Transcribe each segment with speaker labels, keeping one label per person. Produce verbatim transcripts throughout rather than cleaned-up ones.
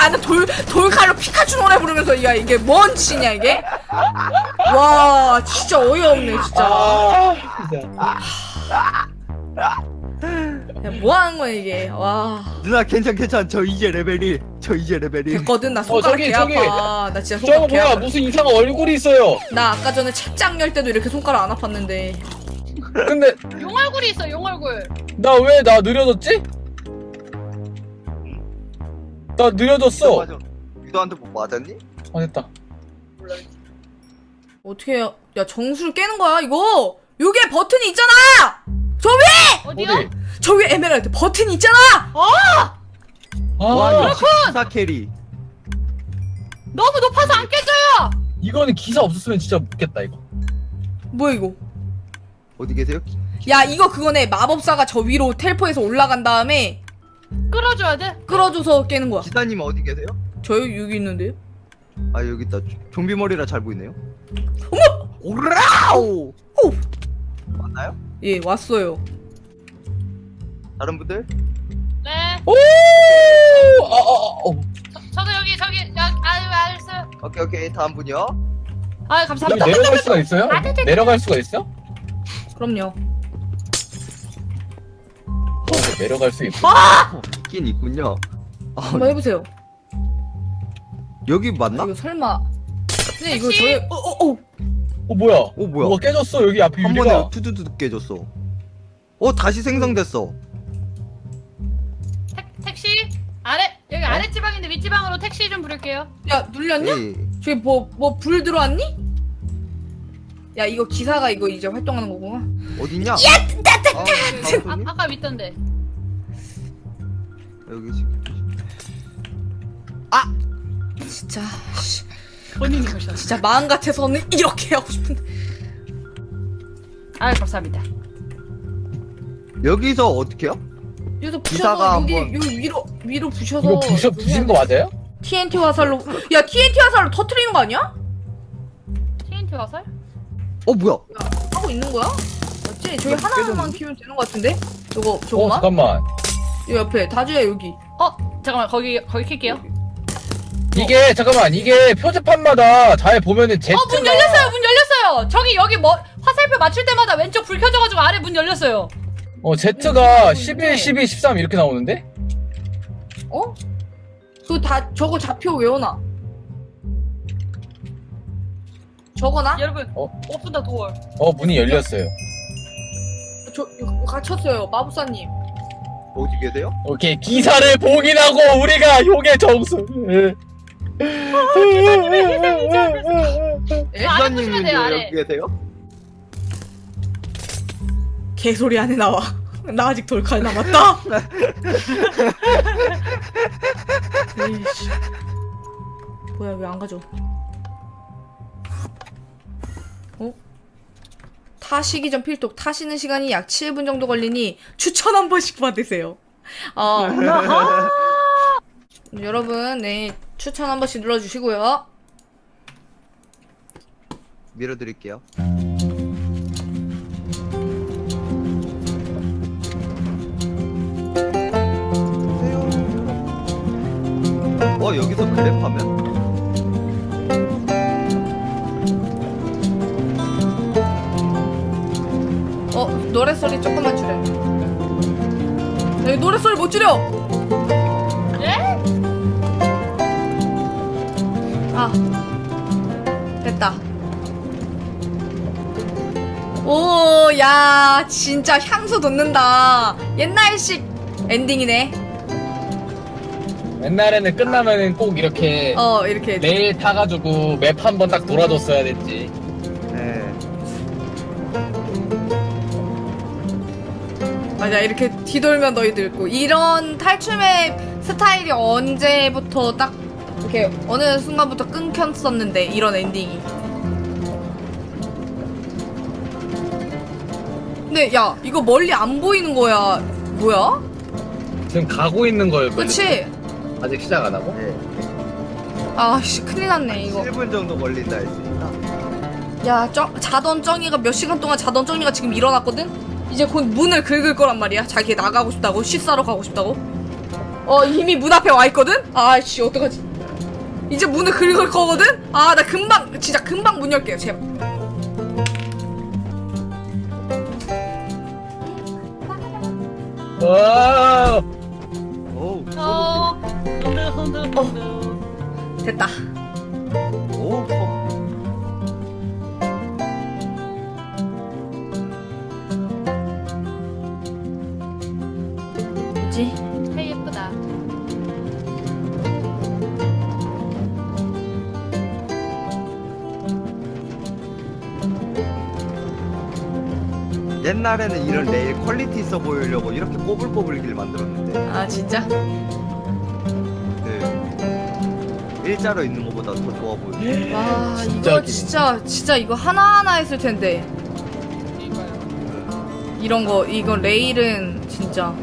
Speaker 1: 나는 돌 돌칼로 피카츄 노래 부르면서 야 이게 뭔 짓이냐 이게? 와 진짜 어이없네 진짜.
Speaker 2: 아, 진짜.
Speaker 1: 야, 뭐 하는 거야 이게? 와
Speaker 3: 누나 괜찮 괜찮. 저 이제 레벨 일. 저 이제 레벨 일.
Speaker 1: 됐거든. 나 손가락
Speaker 2: 저기,
Speaker 1: 개
Speaker 2: 저기.
Speaker 1: 아파. 나 진짜
Speaker 2: 저거
Speaker 1: 손가락 개
Speaker 2: 뭐야?
Speaker 1: 아파.
Speaker 2: 무슨 이상한 얼굴이 있어요.
Speaker 1: 나 아까 전에 책장 열 때도 이렇게 손가락 안 아팠는데.
Speaker 2: 근데
Speaker 4: 용 얼굴이 있어, 용 얼굴.
Speaker 2: 나 왜 나 느려졌지? 나 느려졌어.
Speaker 3: 맞아. 유도한테 뭐 맞았니?
Speaker 2: 아 됐다.
Speaker 1: 어떻게 해요? 야 정수를 깨는 거야 이거? 여기에 버튼이 있잖아. 저 위에
Speaker 4: 어디요?
Speaker 2: 어디?
Speaker 1: 저 위에 에메랄드 버튼이 있잖아.
Speaker 2: 아,
Speaker 3: 와 역시 기사 캐리.
Speaker 4: 너무 높아서 안 깨져요.
Speaker 2: 이거는 기사 없었으면 진짜 못겠다 이거.
Speaker 1: 뭐야 이거?
Speaker 3: 어디 계세요?
Speaker 1: 야 이거 그거네. 마법사가 저 위로 텔포해서 올라간 다음에
Speaker 4: 끌어줘야 돼.
Speaker 1: 끌어줘서 깨는 거야.
Speaker 3: 기사님 어디 계세요?
Speaker 1: 저 여기 있는데요?
Speaker 3: 아 여기 있다. 좀비 머리라 잘 보이네요. 어머! 오라우!
Speaker 1: 오!
Speaker 3: 맞나요?
Speaker 1: 예 왔어요.
Speaker 3: 다른 분들?
Speaker 4: 네.
Speaker 2: 오! 아, 아, 아, 어.
Speaker 4: 저, 저도 여기 저기 여기 아유 알았어요.
Speaker 3: 오케이 오케이 다음 분이요.
Speaker 4: 아
Speaker 2: 여기
Speaker 4: 감사합니다.
Speaker 2: 내려갈 수가 있어요?
Speaker 4: 아, 네, 네.
Speaker 2: 내려갈 수가 있어?
Speaker 1: 그럼요.
Speaker 2: 어, 내려갈 수 있어.
Speaker 1: 아!
Speaker 3: 있긴 있군요. 아,
Speaker 1: 한번 해보세요.
Speaker 3: 여기 맞나?
Speaker 1: 이거 설마? 근데 이거
Speaker 4: 택시?
Speaker 1: 저희 어어 어.
Speaker 2: 어 뭐야?
Speaker 3: 어 뭐야?
Speaker 2: 뭐가 깨졌어 여기 앞에
Speaker 3: 한
Speaker 2: 유리가.
Speaker 3: 번에 투두두 깨졌어. 어 다시 생성됐어.
Speaker 4: 택, 택시 아래 여기 아래 지방인데 윗 지방으로 택시 좀 부를게요.
Speaker 1: 야 눌렸냐?
Speaker 3: 에이.
Speaker 1: 저기 뭐 뭐 불 들어왔니? 야 이거 기사가 이거 이제 활동하는 거구나.
Speaker 3: 어딨냐?
Speaker 1: 야!
Speaker 3: 아,
Speaker 4: 아,
Speaker 3: 다음 분이?
Speaker 4: 아까 윗던데.
Speaker 3: 여기 지금.
Speaker 1: 진짜 씨,
Speaker 4: 본인이 오셨어.
Speaker 1: 진짜 마음 같아서는 이렇게 하고 싶은데.
Speaker 4: 아 감사합니다.
Speaker 3: 여기서 어떻게요?
Speaker 1: 여기서
Speaker 3: 기사가
Speaker 1: 부셔서 여기
Speaker 3: 한번-
Speaker 1: 여기 위로 위로 부셔서.
Speaker 2: 이거 부셔 부신 거 맞아요?
Speaker 1: 티엔티 화살로. 야 티엔티 화살로 터트리는 거 아니야?
Speaker 4: 티엔티 화살?
Speaker 3: 어 뭐야?
Speaker 1: 하고 있는 거야? 맞지? 저기
Speaker 3: 이거
Speaker 1: 하나만
Speaker 3: 깨졌는데?
Speaker 1: 키우면 되는 거 같은데? 저거
Speaker 2: 어
Speaker 1: 저거만?
Speaker 2: 잠깐만.
Speaker 1: 이 옆에 다주야 여기.
Speaker 4: 어 잠깐만 거기 거기 킬게요.
Speaker 2: 이게 잠깐만 이게 표지판마다 잘 보면은 Z.
Speaker 4: 어 문 열렸어요 문 열렸어요. 저기 여기 뭐 화살표 맞출 때마다 왼쪽 불 켜져가지고 아래 문 열렸어요.
Speaker 2: 어 Z가 십일, 십이, 십삼 이렇게 나오는데?
Speaker 1: 어? 그거 다 저거 좌표 외워놔. 저거나?
Speaker 4: 여러분
Speaker 2: 어?
Speaker 4: 오픈 더 도어.
Speaker 2: 어 문이 열렸어요.
Speaker 1: 저 이거 갇혔어요 마법사님.
Speaker 3: 어디 계세요?
Speaker 2: 오케이 기사를 봉인하고 우리가 용의 정수.
Speaker 1: 에?
Speaker 4: 아래 보시면 돼요, 아래.
Speaker 3: 여기 계세요?
Speaker 1: 개소리 안에 나와. 나 아직 돌칼 남았다. 에이씨. 뭐야 왜 안 가져? 어? 타시기 전 필독. 타시는 시간이 약 칠 분 정도 걸리니 추천 한 번씩 받으세요. 어. 여러분, 네 추천 한 번씩 눌러주시고요.
Speaker 3: 밀어드릴게요. 어 여기서 그랩하면?
Speaker 1: 어 노래 소리 조금만 줄여. 여기 노래 소리 못 줄여.
Speaker 4: 네?
Speaker 1: 아 됐다. 오, 야, 진짜 향수 돋는다. 옛날식 엔딩이네.
Speaker 2: 옛날에는 끝나면은 꼭 이렇게
Speaker 1: 어, 이렇게.
Speaker 2: 레일 타가지고 맵 한 번 딱 돌아줬어야 됐지.
Speaker 3: 네.
Speaker 1: 맞아, 이렇게 뒤돌면 너희들 있고. 이런 탈춤의 스타일이 언제부터 딱, 이렇게 어느 순간부터 끊겼었는데, 이런 엔딩이. 근데, 야, 이거 멀리 안 보이는 거야. 뭐야?
Speaker 2: 지금 가고 있는 거예요.
Speaker 1: 그치?
Speaker 2: 아직 시작 안 하고?
Speaker 3: 네.
Speaker 1: 아씨, 큰일 났네, 이거.
Speaker 3: 칠 분 정도 걸린다 했으니까.
Speaker 1: 야, 쩡, 자던 쩡이가 몇 시간 동안 자던 쩡이가 지금 일어났거든? 이제 곧 문을 긁을 거란 말이야. 자기 나가고 싶다고, 쉬 싸러 가고 싶다고. 어 이미 문 앞에 와 있거든. 아씨 어떡하지? 이제 문을 긁을 거거든. 아 나 금방 진짜 금방 문 열게요 제발.
Speaker 2: 와.
Speaker 3: 오,
Speaker 4: 어, 흔들 흔들 흔들.
Speaker 1: 됐다.
Speaker 3: 오, 어.
Speaker 1: 뭐지?
Speaker 4: 헤이 예쁘다.
Speaker 3: 옛날에는 이런 레일 퀄리티 있어 보이려고 이렇게 꼬불꼬불 길 만들었는데
Speaker 1: 아 진짜?
Speaker 3: 그 일자로 있는 것보다 더 좋아 보여.
Speaker 1: 와
Speaker 2: 진짜
Speaker 1: 이거
Speaker 2: 기네.
Speaker 1: 진짜 진짜 이거 하나하나 했을 텐데
Speaker 4: 이거요.
Speaker 1: 이런 거 이거 레일은 진짜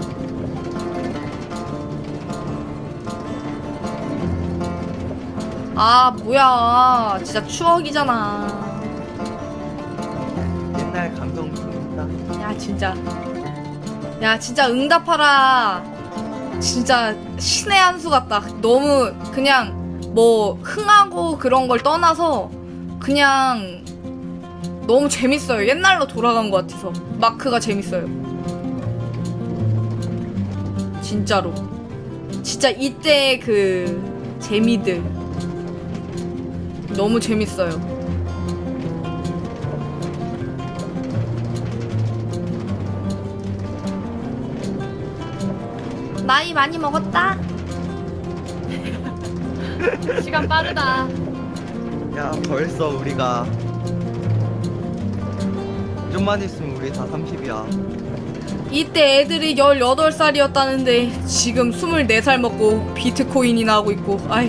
Speaker 1: 아 뭐야 진짜 추억이잖아.
Speaker 3: 옛날 감성 좋다.
Speaker 1: 야 진짜 야 진짜 응답하라 진짜 신의 한 수 같다. 너무 그냥 뭐 흥하고 그런 걸 떠나서 그냥 너무 재밌어요. 옛날로 돌아간 것 같아서 마크가 재밌어요. 진짜로 진짜 이때 그 재미들 너무 재밌어요. 나이 많이 먹었다.
Speaker 4: 시간 빠르다.
Speaker 3: 야 벌써 우리가 좀만 있으면 우리 다 삼십이야.
Speaker 1: 이때 애들이 열여덟 살이었다는데 지금 스물네 살 먹고 비트코인이나 하고 있고 아휴.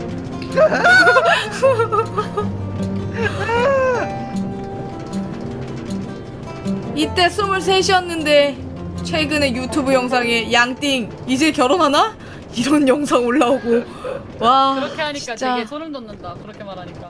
Speaker 1: 이때 스물셋이었는데 최근에 유튜브 영상에 양띵 이제 결혼하나? 이런 영상 올라오고 와
Speaker 4: 그렇게 하니까
Speaker 1: 진짜.
Speaker 4: 되게 소름 돋는다. 그렇게 말하니까.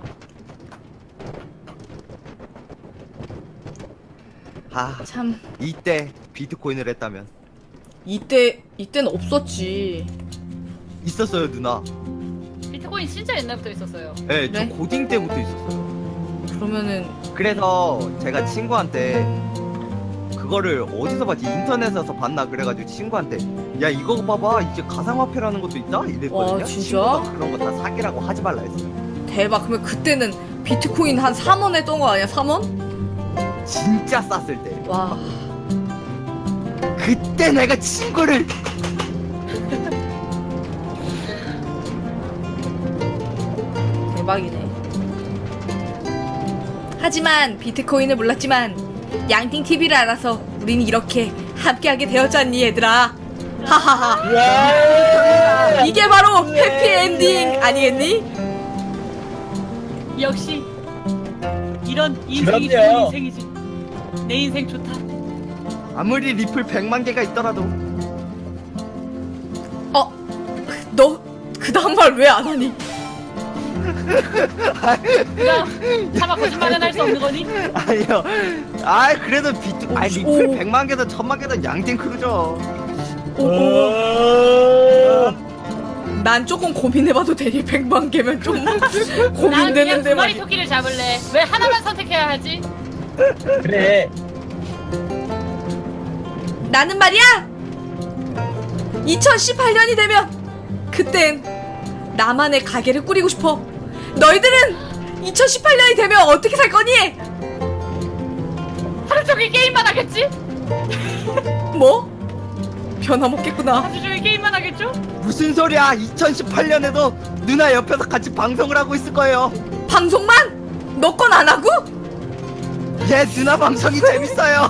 Speaker 3: 아
Speaker 1: 참
Speaker 3: 이때 비트코인을 했다면
Speaker 1: 이때 이때는 없었지.
Speaker 3: 있었어요 누나.
Speaker 4: 비트코인 진짜 옛날부터 있었어요.
Speaker 3: 네, 저
Speaker 1: 그래?
Speaker 3: 고딩 때부터 있었어요.
Speaker 1: 그러면은
Speaker 3: 그래서 제가 친구한테 그거를 어디서 봤지? 인터넷에서 봤나 그래가지고 친구한테 야 이거 봐봐 이제 가상화폐라는 것도 있다 이랬거든요.
Speaker 1: 와, 진짜?
Speaker 3: 친구가 그런 거 다 사기라고 하지 말라 했어요.
Speaker 1: 대박. 그러면 그때는 비트코인 한 삼 원 했던 거 아니야? 삼 원?
Speaker 3: 진짜 쌌을 때.
Speaker 1: 와
Speaker 3: 그때 내가 친구를
Speaker 1: 대박이네. 하지만 비트코인을 몰랐지만 양띵티비를 알아서 우린 이렇게 함께하게 되었잖니 얘들아. 하하하.
Speaker 2: 와.
Speaker 1: 이게 바로 해피엔딩 아니겠니?
Speaker 4: 역시 이런 인생이 좋은
Speaker 2: 그럼요.
Speaker 4: 인생이지. 내 인생 좋다.
Speaker 3: 아무리 리플 백만 개가 있더라도
Speaker 1: 어? 너 그 다음 말 왜 안 하니?
Speaker 4: 그럼 차마 거짓말은 할 수 없는 거니?
Speaker 3: 아니요. 아 그래도 비트 아 리플
Speaker 1: 오.
Speaker 3: 백만 개든 천만 개든 양띵 크루죠.
Speaker 1: 오오.
Speaker 2: 와.
Speaker 1: 난 조금 고민해봐도 되니? 백만 개면 좀
Speaker 4: 난 그냥
Speaker 1: 고민되는데
Speaker 4: 두 마리
Speaker 1: 말이야.
Speaker 4: 토끼를 잡을래. 왜 하나만 선택해야 하지?
Speaker 2: 그래.
Speaker 1: 나는 말이야 이천십팔 년이 되면 그땐 나만의 가게를 꾸리고 싶어. 너희들은 이천십팔 년이 되면 어떻게 살 거니?
Speaker 4: 하루 종일 게임만 하겠지?
Speaker 1: 뭐? 변함없겠구나.
Speaker 4: 하루 종일 게임만 하겠죠?
Speaker 3: 무슨 소리야? 이천십팔 년에도 누나 옆에서 같이 방송을 하고 있을 거예요.
Speaker 1: 방송만? 너 건 안 하고?
Speaker 3: 예, 누나 방송이 재밌어요.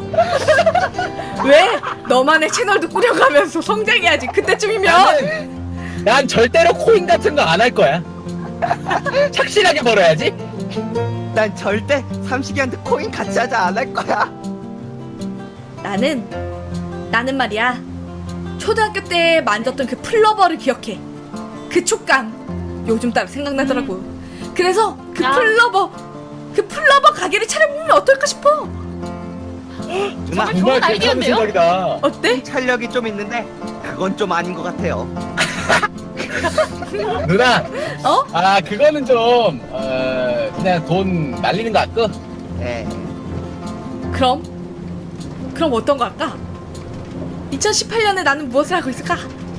Speaker 1: 왜? 너만의 채널도 꾸려가면서 성장해야지. 그때쯤이면
Speaker 2: 나는 난 절대로 코인 같은 거 안 할 거야. 착실하게 벌어야지.
Speaker 3: 난 절대 삼식이한테 코인 같이 하자 안 할 거야.
Speaker 1: 나는 나는 말이야 초등학교 때 만졌던 그 플러버를 기억해. 그 촉감 요즘 따라 생각나더라고. 그래서 그
Speaker 4: 아.
Speaker 1: 플러버 그 플러버 가게를 차려보면 어떨까 싶어.
Speaker 3: 누나
Speaker 4: 좋은
Speaker 2: 정말 괜찮은
Speaker 4: 아이디어인데요?
Speaker 2: 생각이다.
Speaker 1: 어때?
Speaker 3: 찰력이 좀 있는데 그건 좀 아닌 것 같아요.
Speaker 2: 누나,
Speaker 1: 어?
Speaker 2: 아 그거는 좀 어, 그냥 돈 날리는 거 같고.
Speaker 3: 예.
Speaker 1: 그럼? 그럼 어떤 거 할까? 이천십팔 년에 나는 무엇을 하고 있을까?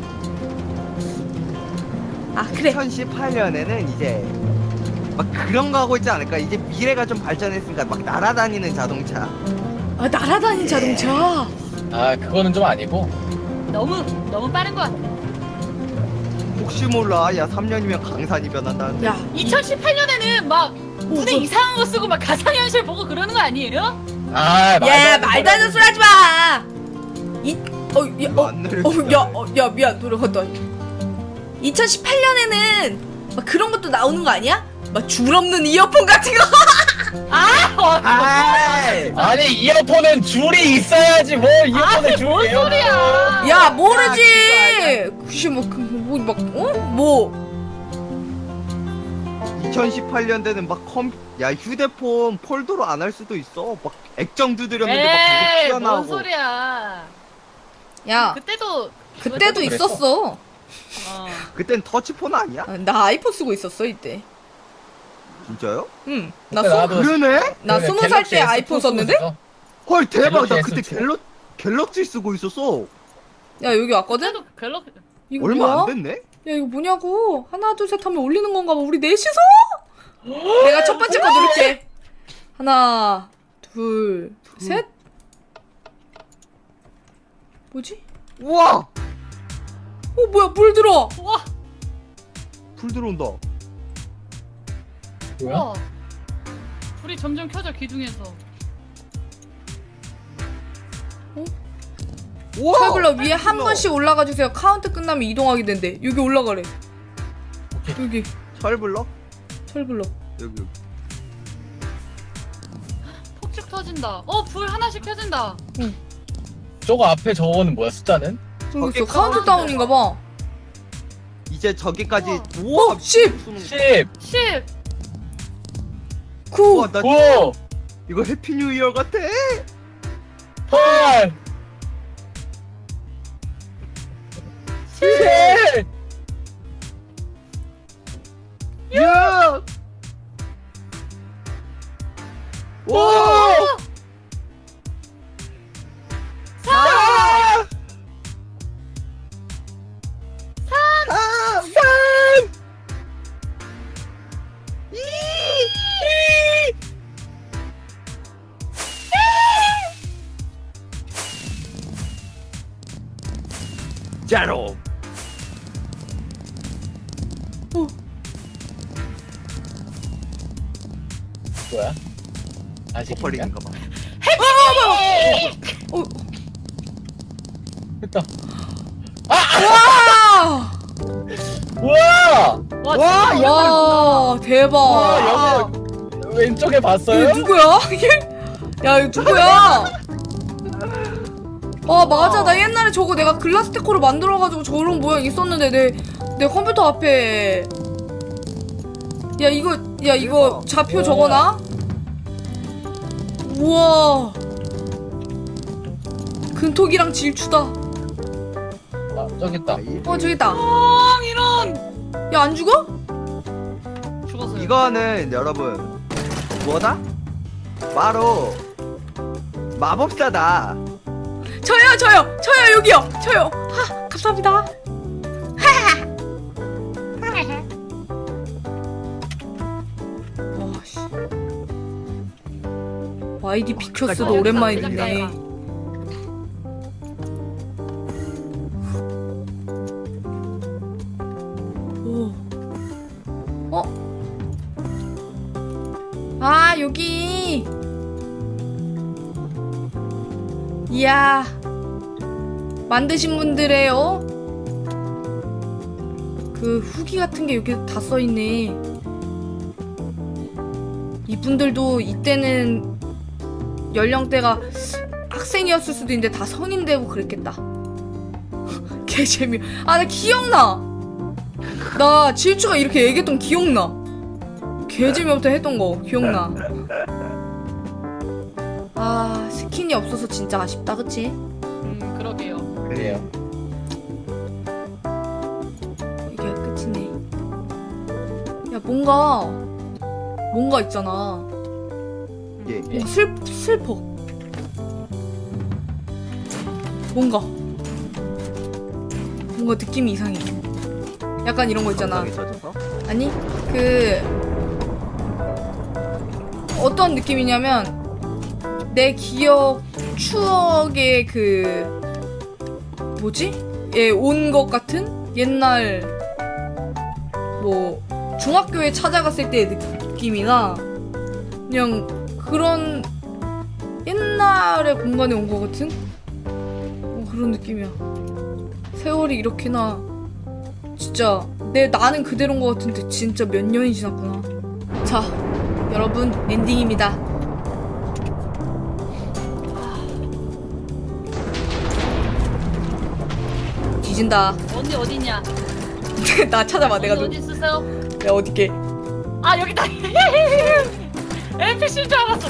Speaker 1: 아 그래.
Speaker 3: 이천십팔 년에는 이제 막 그런 거 하고 있지 않을까? 이제 미래가 좀 발전했으니까 막 날아다니는 자동차.
Speaker 1: 아 날아다니는 자동차.
Speaker 2: 아 그거는 좀 아니고.
Speaker 4: 너무 너무 빠른 것 같아.
Speaker 3: 혹시 몰라. 야, 삼 년이면 강산이 변한다는데.
Speaker 1: 야
Speaker 4: 이천십팔 년에는 막 눈에
Speaker 1: 뭐.
Speaker 4: 이상한 거 쓰고 막 가상현실 보고 그러는 거 아니에요?
Speaker 2: 아
Speaker 1: 야 말도 안 되는 소리 하지 마. 이 어, 야,
Speaker 3: 이거
Speaker 1: 어,
Speaker 3: 안
Speaker 1: 어,
Speaker 3: 내려주냐?
Speaker 1: 야, 어, 야, 미안, 노력한다. 이천십팔 년에는 막 그런 것도 나오는 거 아니야? 막 줄 없는 이어폰 같은 거.
Speaker 4: 아, 어,
Speaker 3: 아이!
Speaker 2: 아니 이어폰은 줄이 있어야지 뭐 이어폰에 줄이
Speaker 4: 뭔 소리야?
Speaker 1: 야, 모르지.
Speaker 3: 야,
Speaker 1: 혹시 뭐, 그, 뭐, 막, 어? 뭐?
Speaker 3: 이천십팔 년대는 막 컴, 야, 휴대폰 폴더로 안 할 수도 있어. 막 액정 두드렸는데 막 그거
Speaker 4: 에이, 뭔
Speaker 3: 튀어나오고.
Speaker 4: 소리야?
Speaker 1: 야,
Speaker 4: 그때도
Speaker 1: 그때도
Speaker 2: 그랬어?
Speaker 1: 있었어.
Speaker 4: 어.
Speaker 3: 그땐 터치폰 아니야?
Speaker 1: 아, 나 아이폰 쓰고 있었어 이때.
Speaker 3: 진짜요?
Speaker 1: 응, 나
Speaker 2: 그때
Speaker 1: 스,
Speaker 2: 나도
Speaker 3: 그러네?
Speaker 1: 나
Speaker 2: 그래,
Speaker 1: 스무 살
Speaker 2: 갤럭시
Speaker 1: 때
Speaker 2: 에스
Speaker 1: 아이폰
Speaker 2: 쓰고
Speaker 1: 썼는데?
Speaker 2: 있었어.
Speaker 3: 헐, 대박. 나
Speaker 2: 갤럭시
Speaker 3: 그때
Speaker 2: 에스
Speaker 3: 갤럭, 갤럭시 쓰고 있었어.
Speaker 1: 야 여기 왔거든?
Speaker 4: 그때도 별로
Speaker 1: 이거
Speaker 3: 얼마
Speaker 1: 뭐야?
Speaker 3: 안 됐네?
Speaker 1: 야 이거 뭐냐고? 하나 둘 셋 하면 올리는 건가 봐. 우리 넷이서? 내가 첫 번째 거 누를게. 하나, 둘, 셋. 뭐지?
Speaker 3: 우와!
Speaker 1: 어 뭐야 물 들어.
Speaker 4: 와,
Speaker 3: 불 들어온다.
Speaker 2: 뭐야?
Speaker 4: 와. 불이 점점 켜져 기둥에서.
Speaker 3: 우와!
Speaker 1: 철블러 위에 한
Speaker 3: 불러.
Speaker 1: 번씩 올라가 주세요. 카운트 끝나면 이동하게 된대. 여기 올라가래. 여기
Speaker 3: 철블럭?
Speaker 1: 철블러.
Speaker 3: 여기, 여기.
Speaker 4: 폭죽 터진다. 어, 불 하나씩 켜진다.
Speaker 2: 저거 앞에 저거는 뭐야 숫자는?
Speaker 1: 저기
Speaker 3: 저기
Speaker 1: 있어. 카운트 다운인가 봐.
Speaker 3: 이제 저기까지.
Speaker 4: 우와.
Speaker 3: 우와!
Speaker 1: 어, 십!
Speaker 3: 쏘는 거.
Speaker 2: 십,
Speaker 4: 십.
Speaker 1: 구.
Speaker 3: 우와, 나
Speaker 2: 구,
Speaker 3: 이거 해피 뉴 이어 같아.
Speaker 2: 팔, 칠,
Speaker 3: 육! 와! 사! 사!
Speaker 2: 삼,
Speaker 3: 이! 자로.
Speaker 2: 뭐야? 아직인가?
Speaker 3: 버퍼링인가 봐.
Speaker 1: 어.
Speaker 2: 됐다.
Speaker 1: 와!
Speaker 2: 우와!
Speaker 4: 와,
Speaker 3: 와,
Speaker 4: 진짜
Speaker 1: 와, 대박.
Speaker 2: 와, 여기 왼쪽에 봤어요?
Speaker 1: 이거 누구야? 이게? 야, 이거 누구야? 아, 맞아. 나 옛날에 저거 내가 글라스 테코로 만들어가지고 저런 모양 있었는데, 내, 내 컴퓨터 앞에. 야, 이거, 야, 이거 좌표
Speaker 2: 우와.
Speaker 1: 적어놔? 우와. 근톡이랑 질추다.
Speaker 2: 아, 저기 있다.
Speaker 1: 어, 저기 있다.
Speaker 4: 뻥 이런.
Speaker 1: 야, 안 죽어?
Speaker 4: 죽었어요.
Speaker 3: 이거는 여러분 뭐다? 바로 마법사다.
Speaker 1: 저요, 저요, 저요, 여기요, 저요. 하, 감사합니다. 와, 씨. 와이디 피큐스도
Speaker 3: 어,
Speaker 1: 오랜만에
Speaker 3: 깜짝이야.
Speaker 1: 듣네. 오. 어? 아, 여기. 이야. 만드신 분들의 어? 그 후기 같은 게 여기 다 써있네. 이분들도 이때는 연령대가 학생이었을 수도 있는데 다 성인 되고 그랬겠다. 개 재미. 아, 나 기억나. 나 질주가 이렇게 얘기했던 기억나. 개 재미없다 했던 거 기억나. 아 스킨이 없어서 진짜 아쉽다 그치?
Speaker 4: 음 그러게요.
Speaker 2: 그래요.
Speaker 1: 이게 끝이네. 야 뭔가 뭔가 있잖아.
Speaker 3: 예.
Speaker 1: 뭔가 슬 슬퍼. 뭔가 뭔가 느낌이 이상해. 약간 이런 거 있잖아.
Speaker 3: 감성이 젖어서?
Speaker 1: 아니 그 어떤 느낌이냐면 내 기억 추억의 그 뭐지? 예, 온 것 같은 옛날 뭐 중학교에 찾아갔을 때의 느낌이나 그냥 그런 옛날의 공간에 온 것 같은 어, 그런 느낌이야. 세월이 이렇게나 진짜 내 나는 그대로인 것 같은데 진짜 몇 년이 지났구나. 자 여러분 엔딩입니다. 뒤진다.
Speaker 4: 언니 어디냐?
Speaker 1: 나 찾아봐. 내가
Speaker 4: 언니
Speaker 1: 너,
Speaker 4: 어디 있으세요?
Speaker 1: 내가 어디게?
Speaker 4: 아 여기다. 엔피씨인 줄 알았어.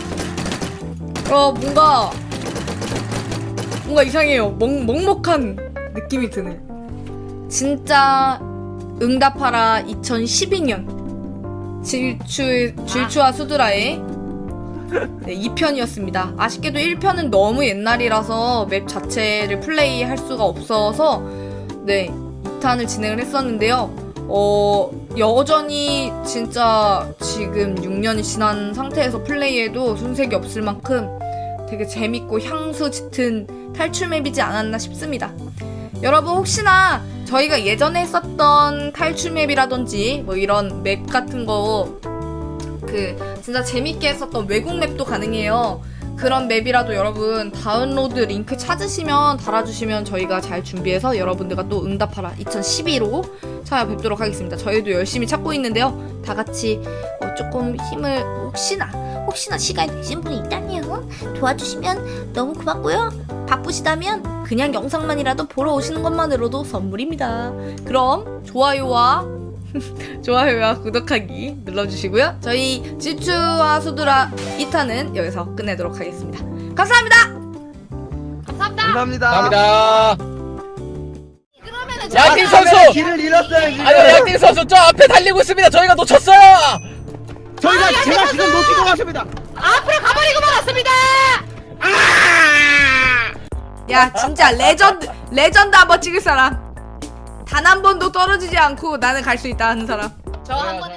Speaker 1: 어 뭔가 뭔가 이상해요. 먹 먹먹한 느낌이 드네. 진짜 응답하라 이천십이 년 질추 질추와 수드라의 네, 이 편이었습니다. 아쉽게도 일 편은 너무 옛날이라서 맵 자체를 플레이할 수가 없어서 네, 이 탄을 진행을 했었는데요. 어, 여전히 진짜 지금 육 년이 지난 상태에서 플레이해도 손색이 없을 만큼 되게 재밌고 향수 짙은 탈출 맵이지 않았나 싶습니다. 여러분 혹시나 저희가 예전에 했었던 탈출 맵이라든지 뭐 이런 맵 같은 거 그 진짜 재밌게 했었던 외국 맵도 가능해요. 그런 맵이라도 여러분 다운로드 링크 찾으시면 달아주시면 저희가 잘 준비해서 여러분들과 또 응답하라 이천십이로 찾아뵙도록 하겠습니다. 저희도 열심히 찾고 있는데요. 다 같이 어, 조금 힘을 혹시나 혹시나 시간이 되신 분이 있다면 도와주시면 너무 고맙고요. 바쁘시다면 그냥 영상만이라도 보러 오시는 것만으로도 선물입니다. 그럼 좋아요와 좋아요와 구독하기 눌러주시고요. 저희 질추와 수드라 이 탄은 여기서 끝내도록 하겠습니다. 감사합니다.
Speaker 4: 감사합니다.
Speaker 3: 감사합니다.
Speaker 2: 감사합니다.
Speaker 1: 그러면은
Speaker 2: 양팀 선수!
Speaker 3: 길을 잃었어요 지금.
Speaker 2: 아니 양팀 선수 저 앞에 달리고 있습니다. 저희가 놓쳤어요.
Speaker 3: 저희가 제가 지금 놓치고 갔습니다.
Speaker 4: 앞으로 가버리고 말았습니다.
Speaker 1: 야 진짜 레전드 레전드 한번 찍을 사람 단 한 번도 떨어지지 않고 나는 갈 수 있다 하는 사람.
Speaker 4: 저 한번